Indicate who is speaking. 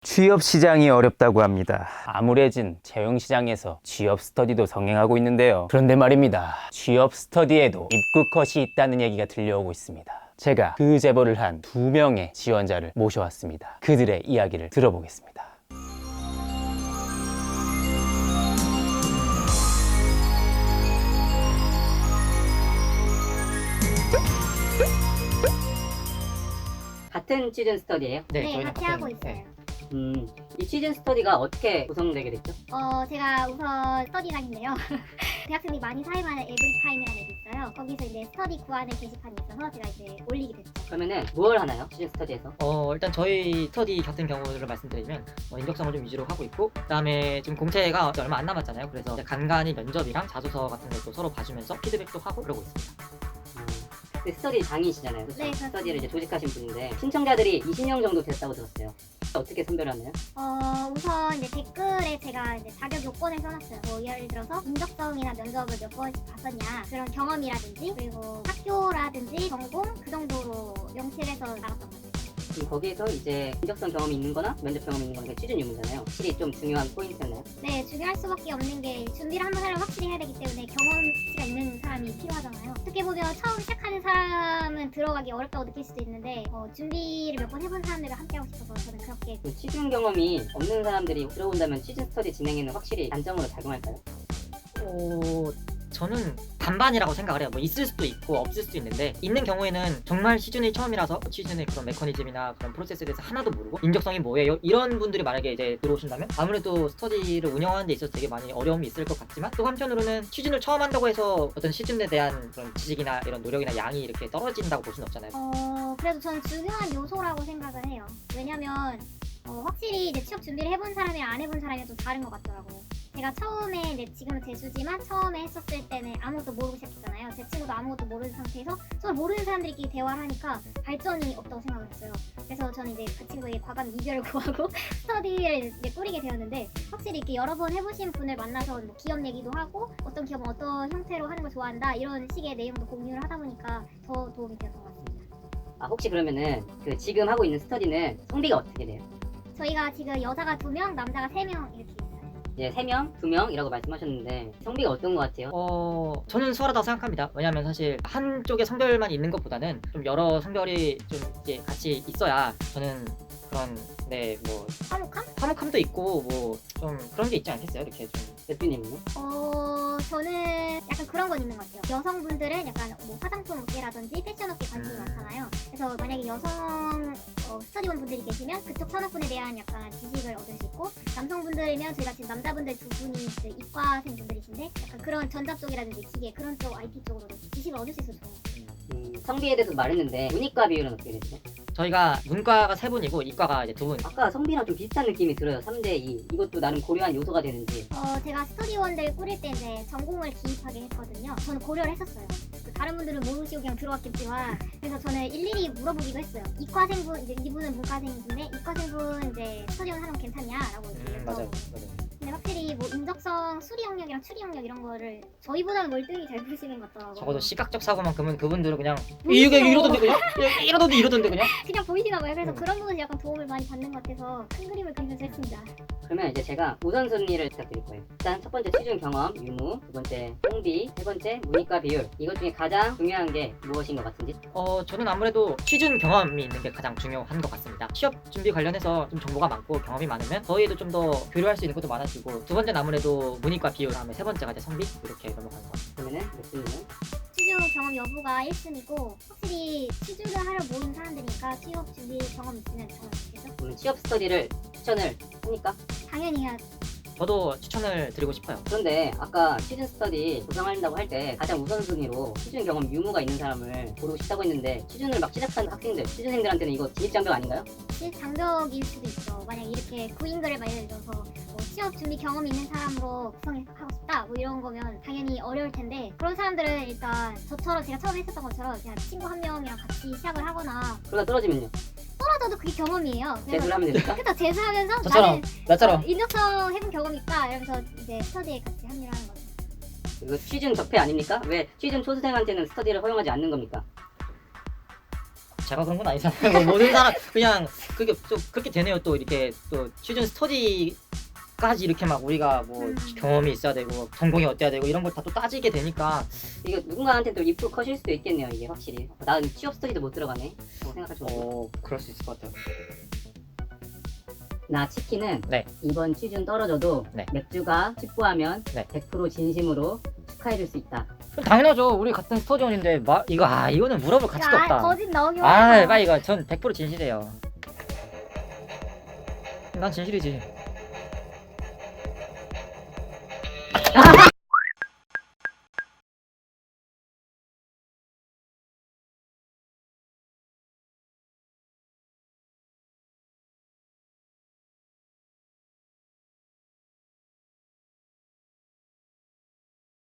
Speaker 1: 취업 시장이 어렵다고 합니다. 암울해진 채용 시장에서 취업 스터디도 성행하고 있는데요. 그런데 말입니다. 취업 스터디에도 입구 컷이 있다는 얘기가 들려오고 있습니다. 제가 그 제보를 한 2명의 지원자를 모셔왔습니다. 그들의 이야기를 들어보겠습니다.
Speaker 2: 같은 시즌 스터디예요?
Speaker 3: 네,
Speaker 4: 네,
Speaker 3: 저희는
Speaker 4: 같이 하고 있어요.
Speaker 2: 이 시즌 스터디가 어떻게 구성되게 됐죠?
Speaker 4: 제가 우선 스터디랑인데요. 대학생들이 많이 사용하는 에브리타임이라는 앱이 있어요. 거기서 이제 스터디 구하는 게시판이 있어서 제가 이제 올리게 됐죠.
Speaker 2: 그러면은 뭘 하나요? 시즌 스터디에서?
Speaker 3: 일단 저희 스터디 같은 경우를 말씀드리면 인적성을 좀 위주로 하고 있고, 그다음에 지금 공채가 얼마 안 남았잖아요. 그래서 이제 간간히 면접이랑 자소서 같은 것도 서로 봐주면서 피드백도 하고 그러고 있습니다.
Speaker 2: 그 스터디 장이시잖아요. 그렇죠?
Speaker 4: 네, 그렇습니다.
Speaker 2: 스터디를 이제 조직하신 분인데 신청자들이 20명 정도 됐다고 들었어요. 어떻게 선별하나요?
Speaker 4: 우선 이제 댓글에 제가 이제 자격 요건을 써놨어요. 뭐 예를 들어서 인적성이나 면접을 몇 번씩 봤었냐, 그런 경험이라든지, 그리고 학교라든지 전공 그 정도로 명시해서 나갔던 것 같아요.
Speaker 2: 거기에서 이제 인적성 경험이 있는 거나 면접 경험이 있는 거는 취준 유무잖아요. 확실히 좀 중요한 포인트였나요?
Speaker 4: 네, 중요할 수밖에 없는 게 준비를 한번 하려면 확실히 해야 되기 때문에 경험치가 있는 사람이 필요하잖아요. 어떻게 보면 처음 시작하는 사람은 들어가기 어렵다고 느낄 수도 있는데 준비를 몇 번 해본 사람들과 함께하고 싶어서 저는 그렇게.
Speaker 2: 그 취준 경험이 없는 사람들이 들어온다면 시즌 스터디 진행에는 확실히 단점으로 작용할까요?
Speaker 3: 저는 반반이라고 생각을 해요. 뭐 있을 수도 있고 없을 수도 있는데, 있는 경우에는 정말 시즌이 처음이라서 취준의 그런 메커니즘이나 그런 프로세스에 대해서 하나도 모르고 인적성이 뭐예요? 이런 분들이 만약에 이제 들어오신다면 아무래도 스터디를 운영하는 데 있어서 되게 많이 어려움이 있을 것 같지만, 또 한편으로는 취준을 처음 한다고 해서 어떤 시즌에 대한 그런 지식이나 이런 노력이나 양이 이렇게 떨어진다고 볼 수는 없잖아요.
Speaker 4: 그래도 저는 중요한 요소라고 생각을 해요. 왜냐면 확실히 이제 취업 준비를 해본 사람이랑 안 해본 사람이 좀 다른 것 같더라고요. 제가 처음에 이제 지금은 재수지만 처음에 했었을 때는 아무것도 모르고 시작했잖아요. 제 친구도 아무것도 모르는 상태에서 서로 모르는 사람들끼리 대화를 하니까 발전이 없다고 생각을 했어요. 그래서 저는 이제 그 친구에게 과감 이별을 구하고 스터디를 이제 꾸리게 되었는데, 확실히 이렇게 여러 번 해보신 분을 만나서 뭐 기업 얘기도 하고 어떤 기업은 어떤 형태로 하는 걸 좋아한다 이런 식의 내용도 공유를 하다 보니까 더 도움이 되었던 것 같습니다.
Speaker 2: 혹시 그러면은 그 지금 하고 있는 스터디는 성비가 어떻게 돼요?
Speaker 4: 저희가 지금 여자가 2명, 남자가 3명 이렇게 있어요.
Speaker 2: 이제 3명, 2명이라고 말씀하셨는데 성비가 어떤 것 같아요?
Speaker 3: 저는 수월하다고 생각합니다. 왜냐하면 사실 한쪽의 성별만 있는 것보다는 좀 여러 성별이 좀 이제 같이 있어야 저는 그런 뭐 화목함도 있고 뭐 좀 그런 게 있지 않겠어요? 이렇게 좀.
Speaker 2: 대표님은요?
Speaker 4: 저는 약간 그런 건 있는 것 같아요. 여성분들은 약간 뭐 화장품 업계라든지 패션 업계 관심이 많잖아요. 그래서 만약에 여성 스터디원 분들이 계시면 그쪽 산업군에 대한 약간 지식을 얻을 수 있고, 남성분들이면 저희가 지금 남자분들 2분이 이과생 분들이신데 약간 그런 전자 쪽이라든지 기계 그런 쪽 IT 쪽으로 지식을 얻을 수 있어서 좋아요.
Speaker 2: 성비에 대해서 말했는데 문이과 비율은 어떻게 되죠?
Speaker 3: 저희가 문과가 3분이고 이과가 이제 2분.
Speaker 2: 아까 성비랑 좀 비슷한 느낌이 들어요. 3대2. 이것도 나름 고려한 요소가 되는지.
Speaker 4: 제가 스터디원들 꾸릴 때 이제 전공을 기입하게 했거든요. 저는 고려를 했었어요. 다른 분들은 모르시고 그냥 들어왔겠지만, 그래서 저는 일일이 물어보기도 했어요. 이과생분, 이제 이분은 문과생인데 이과생분 이제 스터디원 하면 괜찮냐라고 이렇게
Speaker 3: 맞아요.
Speaker 4: 근데 확실히 뭐 인적성, 수리 영역이랑 추리 영역 이런 거를 저희보다는 월등히 잘 보시는 것 같더라고요.
Speaker 3: 적어도 시각적 사고만큼은 그분들은 그냥
Speaker 4: 보이시죠?
Speaker 3: 이러던데 그냥 이러던데 그냥.
Speaker 4: 그냥 보이시나 봐요. 그래서 그런 부분에서 약간 도움을 많이 받는 것 같아서 큰 그림을 그리면서 했습니다.
Speaker 2: 그러면 이제 제가 우선순위를 부탁드릴 거예요. 일단 첫 번째 취준 경험, 유무, 두 번째 성비, 세 번째 문이과 비율. 이것 중에 가장 중요한 게 무엇인 것 같은지?
Speaker 3: 저는 아무래도 취준 경험이 있는 게 가장 중요한 것 같습니다. 취업 준비 관련해서 좀 정보가 많고 경험이 많으면 저희도 좀 더 교류할 수 있는 것도 많아지고, 두 번째는 아무래도 문이과 비율, 다음에 세 번째가 이제 성비, 이렇게 넘어가는 것 같아요.
Speaker 2: 그러면은 교수님은?
Speaker 4: 취준 경험 여부가 1순위고, 확실히 취준을 하려 모인 사람들이니까 취업 준비 경험 있으면 정말 좋겠죠?
Speaker 2: 오늘 취업 스터디를 추천을 합니까?
Speaker 4: 당연히 해야.
Speaker 3: 저도 추천을 드리고 싶어요.
Speaker 2: 그런데 아까 취준 스터디 구성한다고 할 때 가장 우선순위로 취준 경험 유무가 있는 사람을 고르고 싶다고 했는데, 취준을 막 시작한 학생들, 취준생들한테는 이거 진입장벽 아닌가요?
Speaker 4: 장벽일 수도 있죠. 만약 이렇게 구인글을 막 예를 들어서 뭐 취업 준비 경험이 있는 사람으로 구성하고 싶다 뭐 이런 거면 당연히 어려울 텐데, 그런 사람들은 일단 저처럼 제가 처음에 했었던 것처럼 그냥 친구 한 명이랑 같이 시작을 하거나,
Speaker 2: 그러다 떨어지면요?
Speaker 4: 떨어져도 그게 경험이에요.
Speaker 2: 재수를 하면 됩니까?
Speaker 4: 그래서 재수하면서
Speaker 3: 저처럼, 나처럼.
Speaker 4: 인적성 해본 경험이 있다 이러면서 이제 스터디에 같이 합류를 하는 거죠.
Speaker 2: 이거 취준 적폐 아닙니까? 왜 취준 초수생한테는 스터디를 허용하지 않는 겁니까?
Speaker 3: 제가 그런 건 아니잖아요. 뭐 모든 사람 그냥 그게 또 그렇게 되네요. 또 이렇게 또 취준 스터디까지 이렇게 막 우리가 뭐 경험이 있어야 되고 전공이 어때야 되고 이런 걸 다 또 따지게 되니까
Speaker 2: 이거 누군가한테 또 입구 컷일 수도 있겠네요. 이게 확실히. 난 취업 스터디도 못 들어가네. 생각할 수 없어.
Speaker 3: 그럴 수 있을 것 같아요.
Speaker 2: 나 치킨은
Speaker 3: 네.
Speaker 2: 이번 취준 떨어져도
Speaker 3: 네.
Speaker 2: 맥주가 직구하면
Speaker 3: 네.
Speaker 2: 100% 진심으로 축하해줄 수 있다.
Speaker 3: 그럼 당연하죠. 우리 같은 스터디원인데 이거는 물어볼 가치도
Speaker 4: 야,
Speaker 3: 없다.
Speaker 4: 거짓 나오기
Speaker 3: 아,
Speaker 4: 와.
Speaker 3: 빨리 이거 전 100% 진실이에요. 난 진실이지.